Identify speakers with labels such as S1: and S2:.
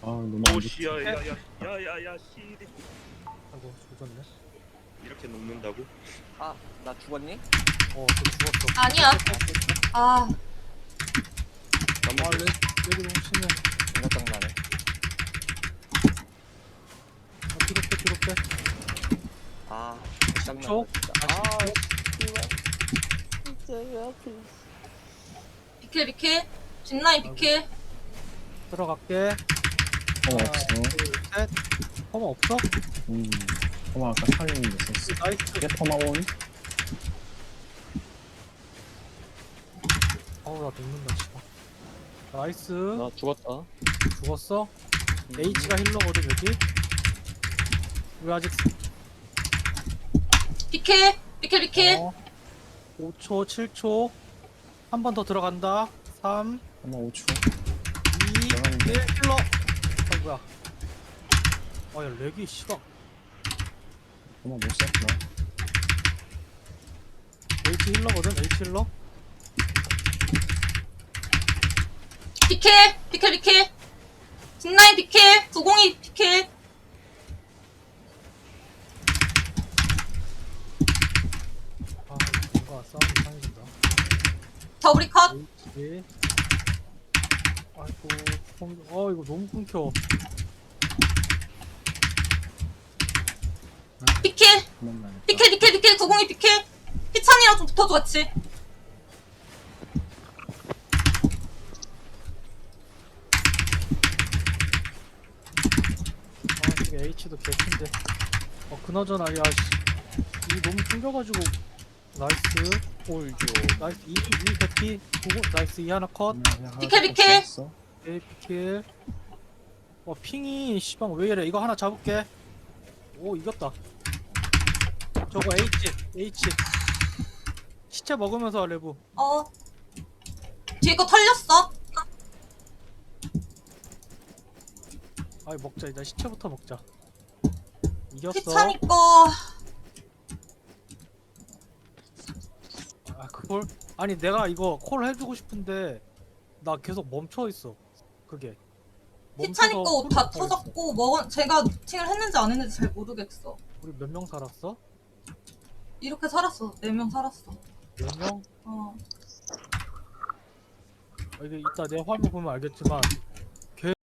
S1: 아 너무 안 좋지.
S2: 오씨 야야야야야야 씨
S3: 아이고 조졌네.
S2: 이렇게 녹는다고?
S4: 아, 나 죽었니?
S3: 저 죽었어.
S5: 아니야. 아,
S2: 잠깐만
S3: 여기 너무 심해.
S4: 존나 장난해.
S3: 뒤로 빼 뒤로 빼.
S4: 아, 장난.
S3: 쪽?
S4: 아, 씨발. 진짜 왜 하필.
S5: 비킬 비킬. 뒷라인 비킬.
S3: 들어갈게.
S1: 어
S3: 하나,
S1: 없어.
S3: 둘, 셋. 험마 없어?
S1: 어머 아까 살리는 게 있었어.
S3: 나이스.
S1: 이게 퍼마온?
S3: 어우 나 녹는다 씨발. 나이스.
S4: 나 죽었다.
S3: 죽었어? H가 힐러거든 여기. 우리 아직
S5: 비킬 비킬 비킬.
S3: 5초 7초. 한 번 더 들어간다. 3
S1: 퍼마 5초.
S3: 2 1 힐러. 아이고야. 아야 렉이 씨가.
S1: 퍼마 못 썼구나.
S3: H 힐러거든 H 힐러.
S5: 비킬 비킬 비킬. 뒷라인 비킬. 902 비킬.
S3: 아 뭔가 싸움이 이상해진다.
S5: 더블이 컷.
S3: H. 아이고 이거 너무 끊겨.
S5: 비킬
S1: 그만 나겠다.
S5: 비킬 비킬 비킬. 902 비킬. 희찬이랑 좀 붙어줘 같이.
S3: 지금 H도 개친데. 그나저나 야 씨. 이 너무 끊겨가지고. 나이스.
S4: 홀죠.
S3: 나이스 2 개피. 나이스 2 하나 컷.
S5: 비킬, 비킬.
S3: 에이피킬. 핑이 씨발 왜 이래. 이거 하나 잡을게. 오 이겼다. 저거 H 시체 먹으면서 레브.
S5: 어. 뒤에 거 털렸어.
S3: 아이 먹자. 일단 시체부터 먹자. 이겼어.
S5: 희찬이 거.
S3: 그걸 아니 내가 이거 콜 해주고 싶은데 나 계속 멈춰 있어. 그게.
S5: 희찬이 거
S3: 멈춰서
S5: 다
S3: 콜을 하고 있어.
S5: 터졌고 제가 루팅을 했는지 안 했는지 잘 모르겠어.
S3: 우리 몇 명 살았어?
S5: 이렇게 살았어. 4명 살았어.
S3: 4명?
S5: 어.
S3: 이게 이따 내 화면 보면 알겠지만